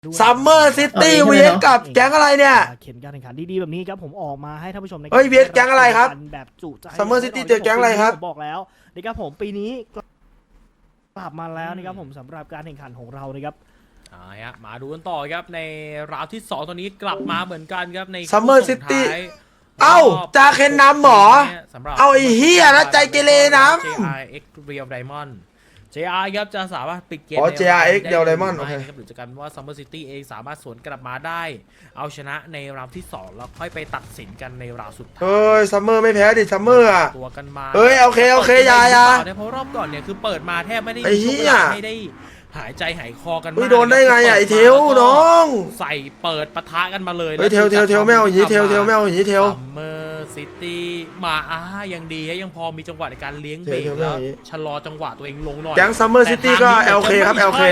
ซัมเมอร์ซิตี้เวสกับแก๊งอะไรเนี่ยเข็มการแข่งขันดีๆแบบนี้ครับผมออกมาให้ท่านผู้ชมเฮ้ยเวสแก๊งอะไรครับแบบจุใจซัมเมอร์ซิตี้เจอแก๊งอะไรครับบอกแล้วนะครับผมปีนี้กลับมาแล้วนะครับผมสำหรับการแข่งขันของเรานะครับมาดูกันต่อครับในราวที่2ตัวนี้กลับมาเหมือนกันครับในซัมเมอร์ซิตี้เอ้าจาเคนนำหมอเอาไอ้เฮียแล้วใจเกเรนำ JRX Real Diamond JR ครับจะสามารถปิดเกม JRX Real Diamond โอเคหรือจะกันว่า Summer City เองสามารถสวนกลับมาได้เอาชนะในราวที่2แล้วค่อยไปตัดสินกันในราวสุดท้ายเฮ้ยซัมเมอร์ไม่แพ้ดิซัมเมอร์อ่ะตัวกันมาเฮ้ยโอเคยาเพราะรอบก่อนเนี่ยคือเปิดมาแทบไม่ได้ไม่ได้หายใจหายคอกันมากโดนได้ไงไอ้เทลน้องใส่เปิดปะทะกันมาเลยเฮ้ยเทลไม่เอาอย่างนี้เทลไม่เอาอย่างนี้เทลซัมเมอร์ซิตี้มายังดียังพอมีจังหวะในการเลี้ยงเบรกแล้วชะลอจังหวะตัวเองลงหน่อยแก๊งซัมเมอร์ซิตี้ก็ LK ครับ LK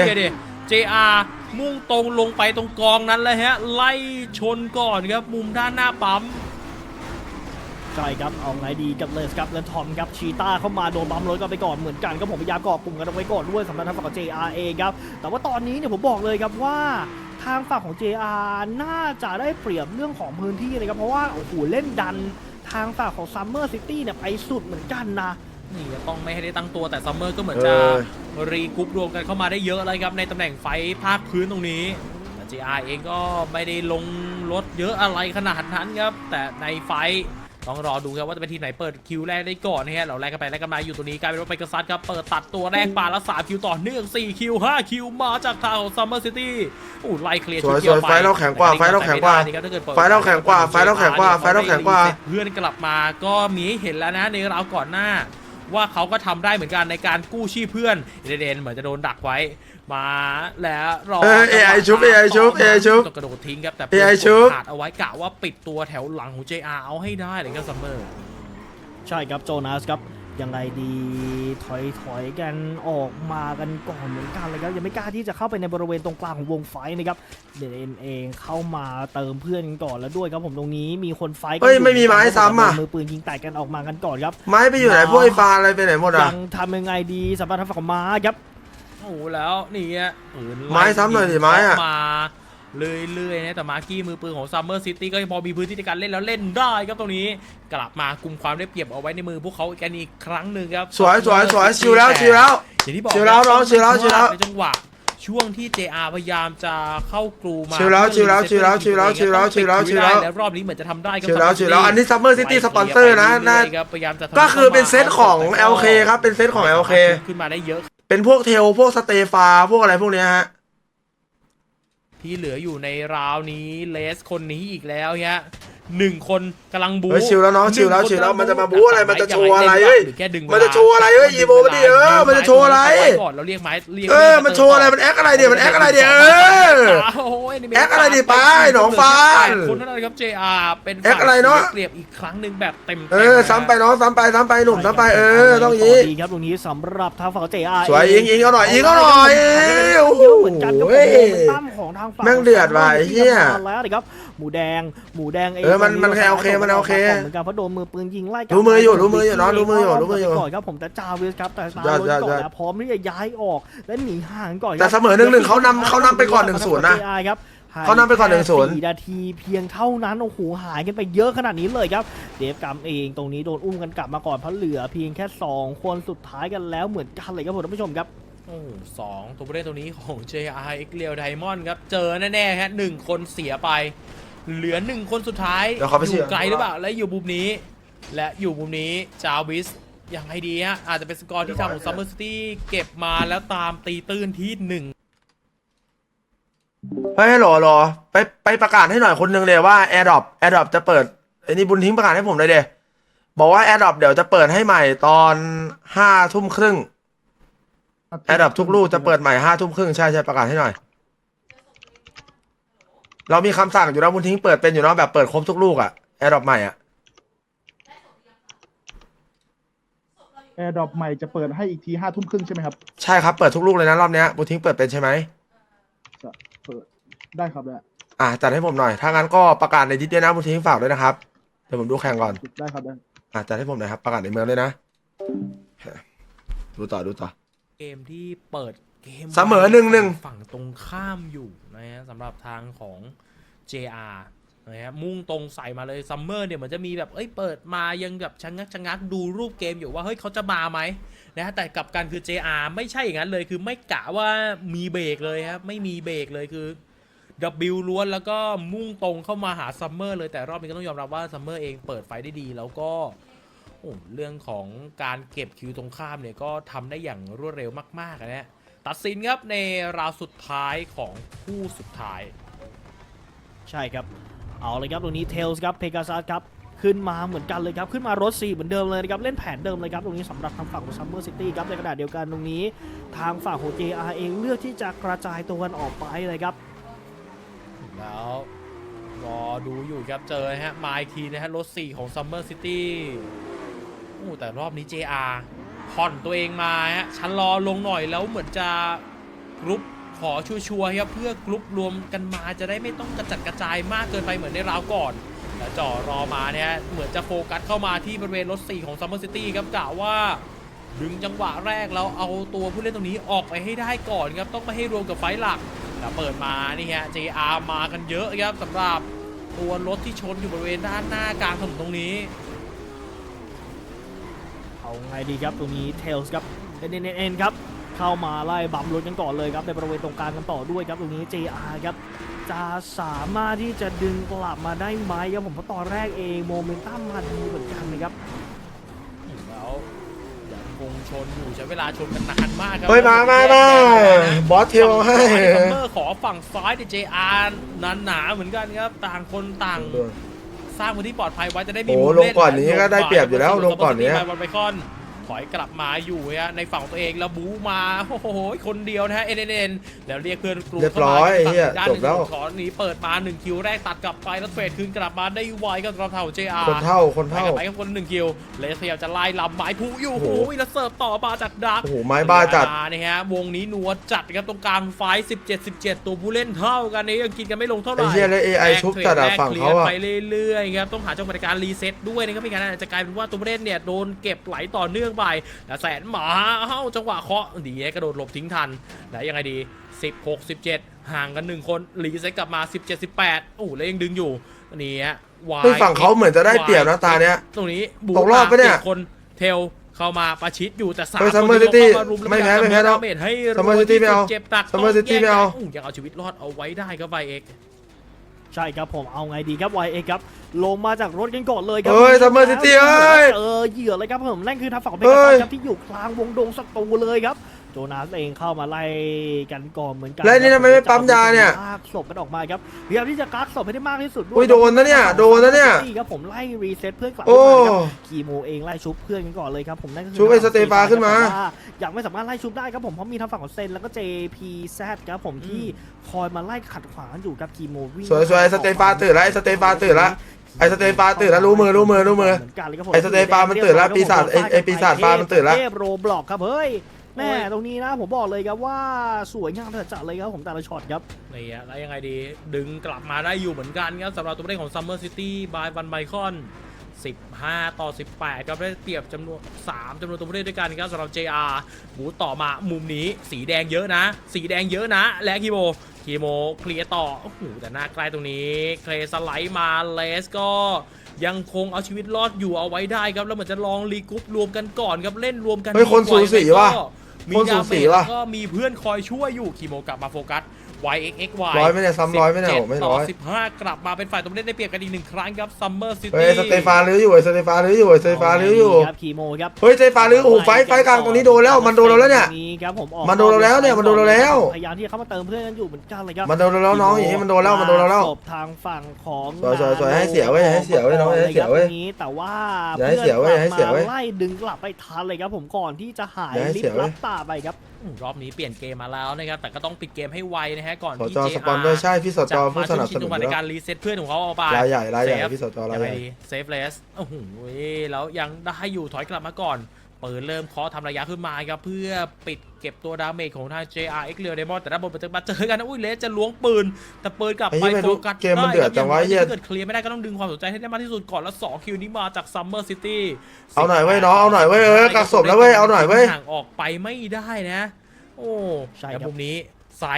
JR มุ่งตรงลงไปตรงกองนั้นเลยฮะไล่ชนก่อนครับมุมด้านหน้าปั๊มใช่ครับเอาไงดีกับเลสครับและทอมครับชีต้าเข้ามาโดนบัมรถกันไปก่อนเหมือนกันก็ผมพยายามเกาะกลุ่มกันเอาไว้ก่อนด้วยสำหรับทางฝั่งของ JR เองครับแต่ว่าตอนนี้เนี่ยผมบอกเลยครับว่าทางฝั่งของ JR น่าจะได้เปรียบเรื่องของพื้นที่เลยครับเพราะว่าโอ้โหเล่นดันทางฝั่งของ Summer City เนี่ยไปสุดเหมือนกันนะนี่ต้องไม่ให้ได้ตั้งตัวแต่ซัมเมอร์ก็เหมือนจะรีกรุ๊ปรวมกันเข้ามาได้เยอะเลยครับในตำแหน่งไฟภาคพื้นตรงนี้แต่ JR เองก็ไม่ได้ลงรถเยอะอะไรขนาดนั้นครับแต่ในไฟต้องรอดูครับว่าจะเป็นทีมไหนเปิดคิวแรกได้ก่อนนะฮะเราแรกกันไปแรกกันมาอยู่ตัวนี้กลายเป็นว่าไปกระซัดครับเปิดตัดตัวแรกปาละ3คิวต่อเนื่อง4คิว5คิวมาจากทางของ Summer City ไล่เคลียร์ชุดเดียวไปไฟเราแข็งกว่าไฟเราแข็งกว่าไฟเราแข็งกว่าไฟเราแข็งกว่าไฟเราแข็งกว่าเพื่อนกลับมาก็มีให้เห็นแล้วนะในราวก่อนหน้าว่าเขาก็ทำได้เหมือนกันในการกู้ชีพเพื่อนเดนเหมือนจะโดนดักไว้มาแล้วรอ AI ชุบต้องกระโดดทิ้งครับแต่ขาดเอาไว้กะว่าปิดตัวแถวหลังของ JR เอาให้ได้เลยครับซัมเมอร์ใช่ครับโจนาสครับยังไงดีถอยกันออกมากันก่อนเหมือนกันเลยครับยังไม่กล้าที่จะเข้าไปในบริเวณตรงกลางของวงไฟนะครับเดนเองเข้ามาเติมเพื่อนกันก่อนแล้วด้วยครับผมตรงนี้มีคนไฟเฮ้ยไม่มีไม้ซ้ำอ่ะมือปืนยิงแตกกันออกมากันก่อนครับไม้ไปอยู่ไหนพวกไอ้ฟาอะไรไปไหนหมดอ่ะยังทำยังไงดีสำหรับทางฝั่งม้าครับโอ้แล้วนี่ไม้ซ้ำหน่อยดิไม้อะมาเรื่อยๆนะแต่มาร์กี้มือปืนของ Summer City ก็ยังพอมีพื้นที่ในการเล่นแล้วเล่นได้ครับตรงนี้กลับมากุมความได้เปรียบเอาไว้ในมือพวกเขากันอีกครั้งหนึ่งครับสวยชิวแล้วอย่างที่บอกชิวแล้วน้องชิวแล้วในจังหวะช่วงที่ JR พยายามจะเข้ากรูมาชิวแล้วแล้วรอบนี้เหมือนจะทำได้ก็ชิวแล้วอันนี้ Summer City สปอนเซอร์นะก็คือเป็นเซตของ LK ครับเป็นเซตของ LK ขึ้นมาได้เยอะเป็นพวกเทลพวกสเตฟาพวกอะไรพวกนี้ฮะที่เหลืออยู่ในราวนี้เลสคนนี้อีกแล้วฮะ1คนกำลังบู๊ชิวแล้วน้องชิวแล้วมันจะมาบู๊อะไรมันจะโชว์อะไรเฮ้ยมันจะโชว์อะไรเฮ้ยอีโบมันดิมันจะโชว์อะไรก่อนเราเรียกไม้มันโชว์อะไรมันแอคอะไรเดี๋ยวมันแอคอะไรเดี๋ยวแอคอะไรดิป้าหนองฟ้าคนนั้นนะครับ JR เป็นแอคอะไรเนาะเปรียบอีกครั้งหนึ่งแบบเต็มซ้ำไปน้องซ้ำไปหนุ่มซ้ำไปต้องยี้ดีครับตรงนี้สำหรับทางฝั่ง JR สวยยิงเอาหน่อยโอ้โหตั้มของทางฝั่งแม่งเดือดว่ะเฮียแล้วนะครับหมูแดงมันแค่โอเคมันโอเคเหมือนกันเพราะโดนมือปืนยิงไล่รู้มืออยู่น้องรู้มืออยู่ก่อนครับผมแต่จาวิสครับแต่ตาลนก่อนแล้วพร้อมที่จะย้ายออกและหนีห่างก่อนแต่เสมอ1-1เขานำไปก่อน1-0นะเขานำไปก่อน1-0 4 นาทีเพียงเท่านั้นโอ้โหหายกันไปเยอะขนาดนี้เลยครับเดฟกัมเองตรงนี้โดนอุ้มกันกลับมาก่อนเพราะเหลือเพียงแค่2คนสุดท้ายกันแล้วเหมือนกันเลยครับผมท่านผู้ชมครับ 2ตัวผู้เล่นตัวนี้ของ JRX Real Diamond ครับเจอแน่ๆฮะ1คนเสียไปเหลือ1คนสุดท้ายอยู่ไกลหรือเปล่าและอยู่มุมนี้จาวิสอย่างไรดีฮะอาจจะเป็นสกอร์ที่ทางของ Summer City เก็บมาแล้วตามตีตื้นที่1 หรอไปประกาศให้หน่อยคนนึงเลยว่า AirDrop จะเปิดไอ้นี่บุญทิ้งประกาศให้ผมเลยเดบอกว่า AirDrop เดี๋ยวจะเปิดให้ใหม่ตอน5 ทุ่มครึ่งAirDrop ทุกลูกจะเปิดใหม่5 ทุ่มครึ่งใช่ประกาศให้หน่อยเรามีคำสั่งอยู่แล้วบุญทิ้งเปิดเป็นอยู่เนาะแบบเปิดครบทุกลูกอะAirDrop ใหม่อะ AirDrop ใหม่จะเปิดให้อีกที5 ทุ่มครึ่งใช่ไหมครับใช่ครับเปิดทุกลูกเลยนะรอบนี้บุญทิ้งเปิดเป็นใช่ไหมเปิดได้ครับได้จัดให้ผมหน่อยถ้างั้นก็ประกาศในดิสด้วยนะบุญทิ้งฝากด้วยนะครับเดี๋ยวผมดูแข่งก่อนได้ครับได้จัดให้ผมหน่อยครับประกาศในเมืองเลยนะดูต่อเกมที่เปิดเกมเสมอ1-1 ฝั่งตรงข้ามอยู่นนะฮะสำหรับทางของ JR นะฮะมุ่งตรงใส่มาเลยซัมเมอร์เนี่ยเหมือนจะมีแบบเปิดมายังแบบชะงักดูรูปเกมอยู่ว่าเฮ้ยเขาจะมาไหมนะฮะแต่กลับกันคือ JR ไม่ใช่อย่างนั้นเลยคือไม่กะว่ามีเบรกเลยครับไม่มีเบรกเลยคือ W ล้วนแล้วก็มุ่งตรงเข้ามาหาซัมเมอร์เลยแต่รอบนี้ก็ต้องยอมรับว่าซัมเมอร์เองเปิดไฟได้ดีแล้วก็เรื่องของการเก็บคิวตรงข้ามเนี่ยก็ทำได้อย่างรวดเร็วมากๆนะฮะตัดสินครับในราวสุดท้ายของคู่สุดท้ายใช่ครับเอาเลยครับตรงนี้เทลส์ครับเพกาซัสครับขึ้นมาเหมือนกันเลยครับขึ้นมารถ4เหมือนเดิมเลยนะครับเล่นแผนเดิมเลยครับตรงนี้สำหรับทางฝั่งของซัมเมอร์ซิตี้ครับในขณะเดียวกันตรงนี้ทางฝั่งของ JR เองเลือกที่จะกระจายตัวกันออกไปเลยครับแล้วรอดูอยู่ครับเจอฮะมาอีกทีนะฮะรถ4ของ Summer City แต่รอบนี้ JR ผ่อนตัวเองมาฮะชันรอลงหน่อยแล้วเหมือนจะกรุ๊ปขอชัวร์ๆครับเพื่อกรุ๊ปรวมกันมาจะได้ไม่ต้องกระจัดกระจายมากเกินไปเหมือนในราวก่อนแล้วจ่อรอมาเนี่ยเหมือนจะโฟกัสเข้ามาที่บริเวณรถ4ของ Summer City ครับกะว่าดึงจังหวะแรกแล้วเอาตัวผู้เล่นตรงนี้ออกไปให้ได้ก่อนครับต้องไม่ให้รวมกับไฟหลักแล้วเปิดมานี่ฮะ JR มากันเยอะครับสำหรับตัวรถที่ชนอยู่บริเวณด้านหน้ากลางถนนตรงนี้เอาไงดีครับตรงนี้เทลส์ครับเอ็นครับเข้ามาไล่บัมรถกันก่อนเลยครับในบริเวณตรงกลางกันต่อด้วยครับตรงนี้ JR ครับจะสามารถที่จะดึงกลับมาได้ไหมครับผมเพราะตอนแรกเองโมเมนตัมมาดีเหมือนกันนะครับแล้วยังคงชนอยู่ใช้เวลาชนกันนานมากครัเฮ้ยมาบอสเทลให้ซัมเมอร์ขอฝั่งซ้ายดิ JR หนาเหมือนกันครับต่างคนต่างสร้างพื้นที่ปลอดภัยไว้จะได้มีโอ้มุมลงเล่นก่อนนี้ก็ได้เปรียบอยู่แล้วลงก่อนเนี้ยบอลไบคอนถอยกลับมาอยู่ฮะในฝั่งของตัวเองแล้วบู๊มาโอ้โหคนเดียวนะฮะเอ็นแล้วเรียกเพื่อนกลุ่มเรียบร้อยไอ้เหี้ยด้านจหบนึ่งแล้วขอหนีเปิดมา1คิวแรกตัดกลับไปแล้วเฟดคืนกลับมาได้ไวก็กระเท่า JR คนเท่าไปกับคน1คิวเลสพยายามจะไล่ลำไม้ผู้อยู่โอ้โอ้โหโหแล้วเสิร์ฟต่อมาจากดักโอ้โหไม้บ้าจัดนี่ฮะวงนี้นัวจัดครับตรงกลางไฟ17 ตัวผู้เล่นเท่ากันนี้ยังกินกันไม่ลงเท่าไหร่ไอ้เหี้ยแล้ว AI ชุบจัดอะฝั่งเขาอะไปเรื่อยๆครับต้องหาจังหวะในการรีเซ็ตด้วยนะครับไม่งั้นอาจจะกลายเป็นว่าตัวผู้เล่นเนี่ยโดนเก็บไหลต่อเนื่องไปแล้วแสนหมาจังหวะเคาะดีกระโดดหลบทิ้งทันแล้วยังไงดี16-17ห่างกัน1คนรีเซ็ตกลับมา17-18โอ้แล้วยังดึงอยู่นี่ฮะเฮ้ยฝั่งเขาเหมือนจะได้เปรียบนะตาเนี้ยตรงนี้บูตกรอบปะเนี่ย 7คนเทลเข้ามาประชิดอยู่แต่3 เฮ้ยคน Summer ที่ City เข้าารุมไม่แพ้ล้วไม่แพ้ดาเมจให้ Summer City ไม่เอาเจ็บตัก Summer City ไม่เอายังเอาชีวิตรอดเอาไว้ได้ครับไวเอ็กใช่ครับผมเอาไงดีครับ YA ครับลงมาจากรถกันก่อนเลยครัเฮ้ย Summer City เอ้ยเจอเหยื่อเลยครับผมนั่นคือทางฝั่งของเบเฮ้กาซัยสครับที่อยู่กลางวงดงศัตรูเลยครับโจนาสเองเข้ามาไล่กันก่อนเหมือนกันแล้วนี่ทำไมไม่ปั๊มยาเนี่ยลากศพกันออกมาครับพยายามที่จะกักศพให้ได้มากที่สุดด้วอุ้ยยโดนนะเนี่ยโดนนะเนี่ยครับผมไล่รีเซ็ตเพื่อนกลับโอ้ขึ้นมาครับคีโมเองไล่ชุบเพื่อนกันก่อนเลยครับผมนั่นก็คือชุบไอ้สเตฟาขึ้นมาแต่ว่ายังไม่สามารถไล่ชุบได้ครับผมเพราะมีทางฝั่งของเซนแล้วก็ JPZ ครับผมที่คอยมาไล่ขัดขวางอยู่กับคีโมวิ่งสวยๆไอ้สเตฟาตื่นแล้วไอ้สเตฟาตื่นแล้วไอ้สเตฟาตื่นแล้วรู้มือเหมือนกันเลยครับผมไอ้สเตฟามันตื่นแล้วปีศาจไอ้ปีศาจฟ้ามันตื่นแล้วเทพโรบล็อกครับเฮ้ยแม่ตรงนี้นะผมบอกเลยครับว่าสวยงามจัดเลยครับผมแต่ละช็อตครับนี่ฮะแล้วยังไงดีดึงกลับมาได้อยู่เหมือนกันครับสำหรับตัวผู้เล่นของ Summer City by Van Bicon 15-18ครับได้เปรียบจำนวน3จำนวนตัวผู้เล่นด้วยกันครับสำหรับ JR บูต่อมามุมนี้สีแดงเยอะนะและคีโมเคลียร์ต่อโอ้โหแต่หน้าใกล้ตรงนี้เคลสไลด์มาเลสก็ยังคงเอาชีวิตรอดอยู่เอาไว้ได้ครับแล้วเหมือนจะลองรีกรุ๊ปรวมกันก่อนครับเล่นรวมกันเฮ้ยคนสูสีว่ะมีคนสูดาสีเมจว่ะแล้วก็มีเพื่อนคอยช่วยอยู่คีโมกลับมาโฟกัส YXXY ร้อยไหมเนี่ยซ้ำร้อยไหมเนี่ยโอ้ไม่ร้อย 17-15 กลับมาเป็นฝ่ายตัวเล่นได้เปรียบกันอีก1ครั้งครับ Summer เฮ้ย City สเตฟาลื้ออยู่ไอ้สเตฟาลื้ออยู่ไอ้สเตฟาลื้ออยู่ครับคีโมครับเฮ้ยสเตฟาลื้อโอ้โหไฟกลางตรงนี้โดนแล้วมันโดนเราแล้วเนี่ยครับผมออกมันโดนเราแล้วเนี่ยมันโดนเราแล้วพยายามที่จะเข้ามาเติมเพื่อนกันอยู่เหมือนกันเลยครับมันโดนเราแล้วน้องอย่างนี้มันโดนแล้วมันโดนเราแล้วศพทางฝั่งของสวยๆให้เสียเว้ยให้เสียเว้ยน้องให้เสียเว้ยนี้แต่ว่าอย่าให้เสียเว้ยอย่าให้เสียเว้ยไล่ดึงกลับไปทันเลยครับผมก่อนที่จะหายอย่าให้ลิฟเสียต์เว้ลัยบตาไปครับรอบนี้เปลี่ยนเกมมาแล้วนะครับแต่ก็ต้องปิดเกมให้ไวนะฮะก่อนสที่จ JR สปอนด้วยใช่พี่สจจะผู้มาสช่วนังบชิสงนุจันงหวะอในยู่แล้วการรีเซ็ตเพื่อนของเขาเอาไปรายใหญ่เซฟพี่สจรายยังใหไงญ่ดีเซฟเลสโอ้โหแล้วยังได้อยู่ถอยกลับมาก่อนเปิดเริ่มเคาะทำระยะขึ้นมาครับเพื่อปิดเก็บตัวดาเมจของทาง JRX เรียวเดมอนแต่ด้านบนมาเจอกันนะอุ้ยเลสจะล้วงปืนแต่ปืนกลับไปไอ้เหี้ยโฟกัสเกมมันเดือดจังวะได้เหี้ยถ้าเกิดเคลียร์ไม่ได้ก็ต้องดึงความสนใจให้ได้มากที่สุดก่อนแล้ว2คิวนี้มาจาก Summer City เอาหน่อยเว้ยน้องเอาหน่อยเว้ยกักศพแล้วเว้ยเอาหน่อยเว้ยห่างออกไปไม่ได้นะโอ้ใช่แต่ครับมุมนี้ไซส์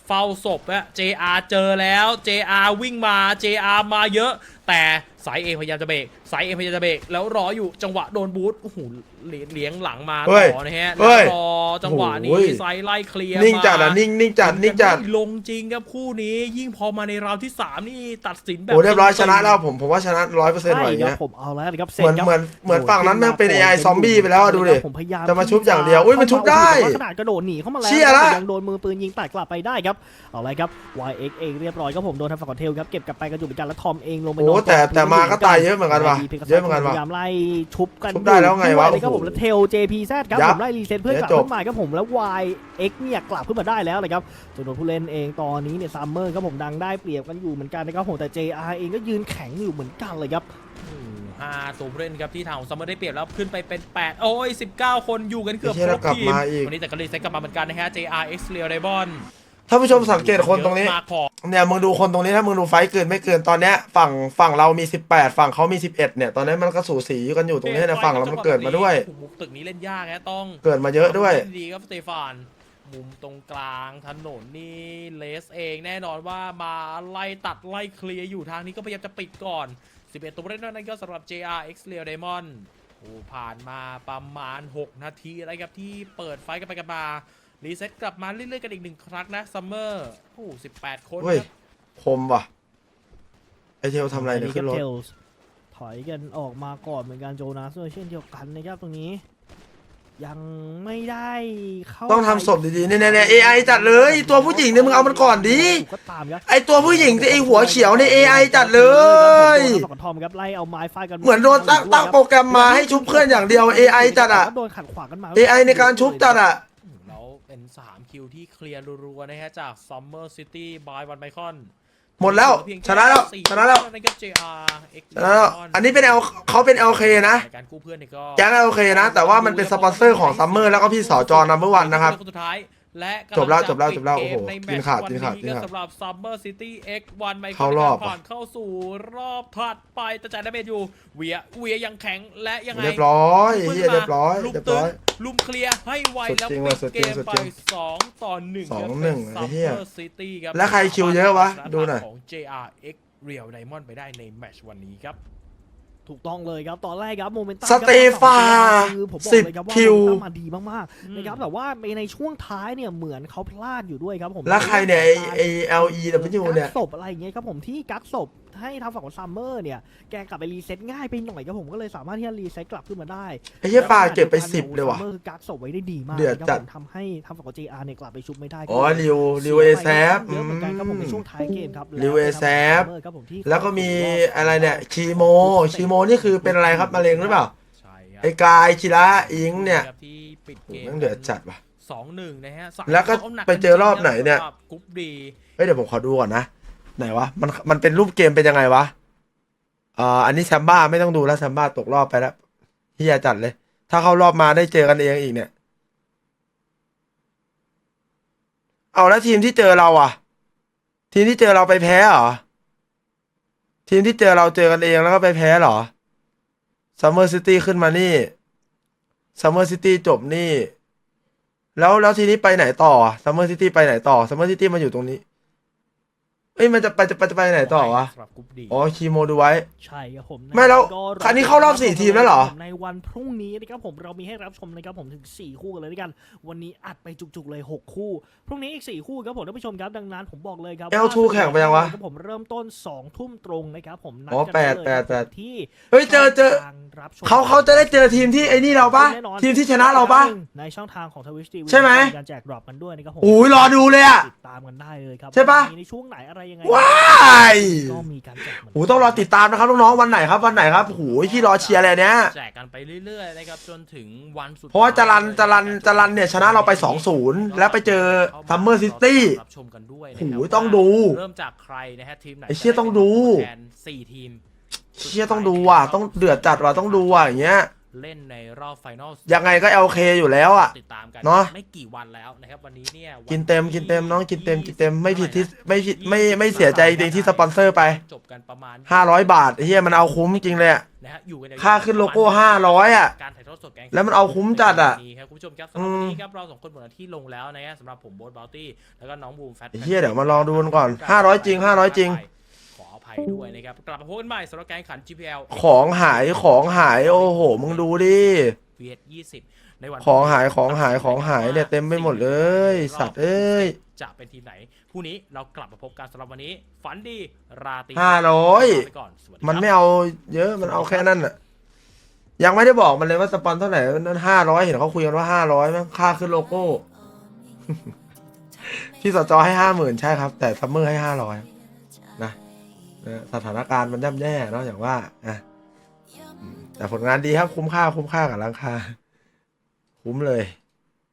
เฝ้าศพอะ JR เจอแล้ว JR วิ่งมา JR มาเยอะ แต่สายเอพยายามจะเบรกสายเอพยายามจะเบรกแล้วรออยู่จังหวะโดนบูทโอ้โหเลี้ยงหลังมาเฮ้ยต่อนะฮะเฮ้แล้วยรอจังหวะโอ้นี้โหไซไล่เคลียร์นิ่งจัดมาอ่ะนิ่งจัดนิ่งจัดไม่ลงจริงครับคู่นี้ยิ่งพอมาในราวที่ 3 นี่ตัดสินแบบโอ้เรียบร้อยชนะแล้วผมว่าชนะ100%ว่ะอย่างใช่ครัเงี้บยผมเอาแล้วนะครับเหมือนสร็จครับเหมือนฝั่งนั้นแม่งเป็น AI ซอมบี้ไปแล้วอะดูดิผมพยายามจะมาชุบอย่างเดียวอุ๊ยมันชุบได้แต่ว่าขนาดกระโดดหนีเข้ามาแล้วเชี่ยละแต่ยังโดนมือปืนยิงแตกกลับไปได้ครับเอาเลยครับ YX เองเรียบร้อยครับผมโดนทางฝั่งของเทลครับเก็บกลับไปกระจุกเหมือนกันแล้วทอมเองลงไปนโอ้อนแต่มาก็ตายเยอะเหมือนกันว่ะเยอะเหมือนกันพว่ะยายามไล่ชุบกันชุบได้แล้วไงวะด้วยนะครับผมแล้วเทล JPZ ครับยับผมไล่รีเซ็ตเพื่อนกลับเดี๋ยวจบขึ้นมาครับผมแล้ว YX เนี่ยกลับขึ้นมาได้แล้วเลยครับจำนวนผู้เล่นเองตอนนี้เนี่ยซัมเมอร์ครับผมดังได้เปรียบกันอยู่เหมือนกันนะครับผมแต่ JR เองก็ยืนแข็งอยู่เหมือนกันเลยครับ 5 ตัวผู้เล่นครับที่ทางของซัมเมอร์ได้เปรียบแล้วขึ้นไปเป็น 8 โอ้ย 19 คนอยู่กันเกือบไอ้เหี้ยครแล้วบกลับทีมมาอีกวันนี้แต่ก็รีเซ็ตกลับมาเหมือนกันนะฮะ JRX Real Diamond ท่านผู้ชมสังเกตคนตรงนี้เยอะมากพอเนี่ยมึงดูคนตรงนี้ถ้ามึงดูไฟท์เกินไม่เกินตอนเนี้ยฝั่งเรามี18ฝั่งเขามี11เนี่ยตอนนี้มันก็สูสีกันอยู่ตรงนี้นะฝั่งเรามันเกิดมาด้วยมุกตึกนี้เล่นยากนะต้องเกิดมาเยอะด้วยเล่นดีครับสเตฟานมุมตรงกลางถนนนี่เลสเองแน่นอนว่ามาไล่ตัดไล่เคลียร์อยู่ทางนี้ก็พยายามจะปิดก่อน11 ตัวผู้เล่นนั่นก็สำหรับ JRX Real Diamond โอ้ผ่านมาประมาณ 6 นาทีอะไรครับที่เปิดไฟกันไปกันมารีเซ็ตกลับมาเรื่อยๆกันอีก1 ครั้งนะซัมเมอร์โอ้18 คนเฮ้ยครับคมว่ะไอเทลทำอะไรเนี่ยขึ้นรถ Tails ถอยกันออกมาก่อนเหมือนกันโจนาสด้วยเช่นเดียวกันนะครับตรงนี้ ยังไม่ได้เข้าต้องทำศพดีๆเนี่ย AI จัดเลยตัวผู้หญิงเนี่ยมึงเอามันก่อนดิก็ตามครับไอตัวผู้หญิงที่ไอหัวเขียวใน AI จัดเลยโดนฝั่งของทอมครับไล่เอาไม้ฟาดกันเหมือนโดนตั้งโปรแกรมมาให้ชุบเพื่อนอย่างเดียว AI จัดอ่ะโดนขัดขวางกันมา AI ในการชุบจัดอ่ะแล้วเป็น 3 คิวที่เคลียร์รัวๆนะฮะจาก Summer City by One Micron หมดแล้วชนะแล้วชนะแล้วนั่นก็ JRX ชนะแล้วอันนี้เป็นเขาเป็น LK นะการกู้เพื่อนนี่ก็แก๊ง LK นะ แต่ว่ามันเป็นสปอนเซอร์ของซัมเมอร์แล้วก็พี่สจนัมเบอร์วันนะครับคนสุดท้ายและจบแล้วกำงะจบแล้วปิดโอ้โหเกมในแมตช์กินขาดวันกินขาดนี้ก็สำหรับ Summer City X1 Micron เข้ารอบผ่านเข้าสู่รอบถัดไปแต่จ่ายดาเมจอยู่เวียยังแข็งและยังไงเรียบร้อยเฮียเรียบร้อยลุมเรียบตึร้งอยลุมเคลียร์ให้ไวแล้วสุดจริงปิว่ะดสุดเกจริงมสุดไปจริง 2-1 2-1ไอ้เหี้ย Summer City ครับแล้วใครคิวเยอะวะดูหน่อยของ JRX Real Diamond ไปได้ในแมตช์วันนี้ครับถูกต้องเลยครับตอนแรกครับโมเมนตัมสเตฟาคือผมบอกเลยครับว่า 10คิวโมเมนตัมมาดีมากๆนะครับแต่ว่าในช่วงท้ายเนี่ยเหมือนเขาพลาดอยู่ด้วยครับผมแล้วใครเนี่ยไอ LEW เนี่ยกักศพอะไรอย่างเงี้ยครับผมที่กักศพให้ทางฝั่งของซัมเมอร์เนี่ยแกกลับไปรีเซ็ตง่ายไปหน่อยครับผมก็เลยสามารถที่จะรีเซ็ตกลับขึ้นมาได้ไอ้เหี้ยปลาเก็บไป10เลยว่ะซัมเมอร์กักศพไว้ได้ดีมากเดือดจัดครับผมทำให้ทางฝั่งของ JR เนี่ยกลับไปชุบไม่ได้อ๋อริวเอแซฟเยอะเหมือนกันครับผมในช่วงท้ายเกมครับริวเอแซฟครับผมที่แล้วก็มีอะไรเนี่ยคีโมนี่คือเป็นอะไรครับมะเร็งหรือเปล่าใช่ครับไอ้กายชิระอิงเนี่ยครับที่ปิดโอ้เกโหมแม่งเดือดจัดว่ะ 2-1 นะฮะแล้วก็ไปเจอรอบไหนเนี่ยสำหรับกรุ๊ปดีเฮ้ยเดี๋ยวผมขอดูก่อนนะไหนวะมันเป็นรูปเกมเป็นยังไงวะอันนี้แซมบ้าไม่ต้องดูแล้วแซมบ้าตกรอบไปแล้วเฮียจัดเลย ถ้าเข้ารอบมาได้เจอกันเองอีกเนี่ยเอาแล้วทีมที่เจอเราอ่ะ ทีมที่เจอเราไปแพ้เหรอทีมที่เจอเราเจอกันเองแล้วก็ไปแพ้เหรอซัมเมอร์ซิตี้ขึ้นมานี่ซัมเมอร์ซิตี้จบนี่แล้วทีนี้ไปไหนต่อซัมเมอร์ซิตี้ไปไหนต่อซัมเมอร์ซิตี้มาอยู่ตรงนี้เอ้ยมันจะไปไหนต่อวะสำหรับกรุ๊ปดีอ๋อคีโมดูไว้ใช่ครับผมไม่แล้วก็ครั้งนี้เข้ารอบ4ทีมแล้วเหรอในวันพรุ่งนี้นะครับผมเรามีให้รับชมนะครับผมถึง4คู่กันเลยด้วยกันวันนี้อัดไปจุกๆเลย6คู่พรุ่งนี้อีก4คู่ครับผมท่านผู้ชมครับดังนั้นผมบอกเลยครับ L2 แข่งไปยังวะครับผมเริ่มต้น2 ทุ่มตรงนะครับผมนัดอ๋อกันได้เลยแปดที่เฮ้ยเจอทางรับชมเขาจะได้เจอทีมที่ไอ้นี่เราปะแน่นอนทีมที่ชนะเราปะในช่องทางของทวิชทีวีใช่ไหมการแจกดรอปกันด้วยนะครับผมโอ้ยรอดูเลยอะติดตามกันได้เลยครับใช่ปะมีในช่วงไหนอะไรยังไงว้ายก็มีการแจกเหมือนกันโอ้ต้องรอติดตามนะครับน้องๆวันไหนครับวันไหนครับโอ้ยที่รอเชียร์เลยเนี่ยแจกกันไปเรื่อยๆนะครับจนถึงวันสุดเพราะว่าจรันเนี่ยชนะเราไป 2-0 แล้วไปเจอซัมเมอร์ซิตี้รับชมกันด้วยนะโอ้คโหรับต้องดูเริ่มจากใครนะฮะทีมไหนไอ้เชี่ยต้องดูแทน4 ทีมเชียต้องดูว่ะต้องเดือดจัดว่ะต้องดูว่ะอย่างเงี้ยเล่นในรอบไฟนอลยังไงก็ LK อยู่แล้วอ่ะติดตามกันเนอะไม่กี่วันแล้วนะครับวันนี้เนี่ยวันกินเต็มน้องกินเต็มไม่ผิดที่ไม่ผิดไม่เสียใจจริงที่สปอนเซอร์ไปจบกันประมาณ 500 บาทไอ้เฮียมันเอาคุ้มจริงเลยอะในนะฮะอยู่กันยาวๆค่าขึ้นโลโก้500อ่ะการถ่ายทอดสดแกงแล้วมันเอาคุ้มจัดอะนี่ครับคุณผู้ชมครับสำหรับวันนี้ครับเราสองคนหมดหน้าที่ลงแล้วนะฮะสำหรับผมโบ๊ทบาวตี้แล้วก็น้องบูมแฟตไอ้เหี้ยเดี๋ยวมาลองดูกันก่อน500จริง500จริงขออภัยด้วยนะครับกลับมาพบกันใหม่สำหรับการแข่งขัน GPL ของหายโอ้โหมึงดูดิ VS 20ในวันของหายเนี่ยเต็มไปหมดเลยสัตว์เอ้ยจะเป็นทีมไหนพรุ่งนี้เรากลับมาพบกันสำหรับวันนี้ฝันดีราตรี 500 ไปก่อนสวัสดีครับมันไม่เอาเยอะมันเอาแค่นั้นอ่ะยังไม่ได้บอกมันเลยว่าสปอนเท่าไหร่นั้น500เห็นเขาคุยกันว่า500มั้งค่าขึ้นโลโก้ พี่สจให้50,000ใช่ครับ แต่ซัมเมอร์ให้500นะสถานการณ์มันย่ำแย่เนาะอย่างว่าแต่ผลงานดีครับคุ้มค่ากับราคาคุ้มเลย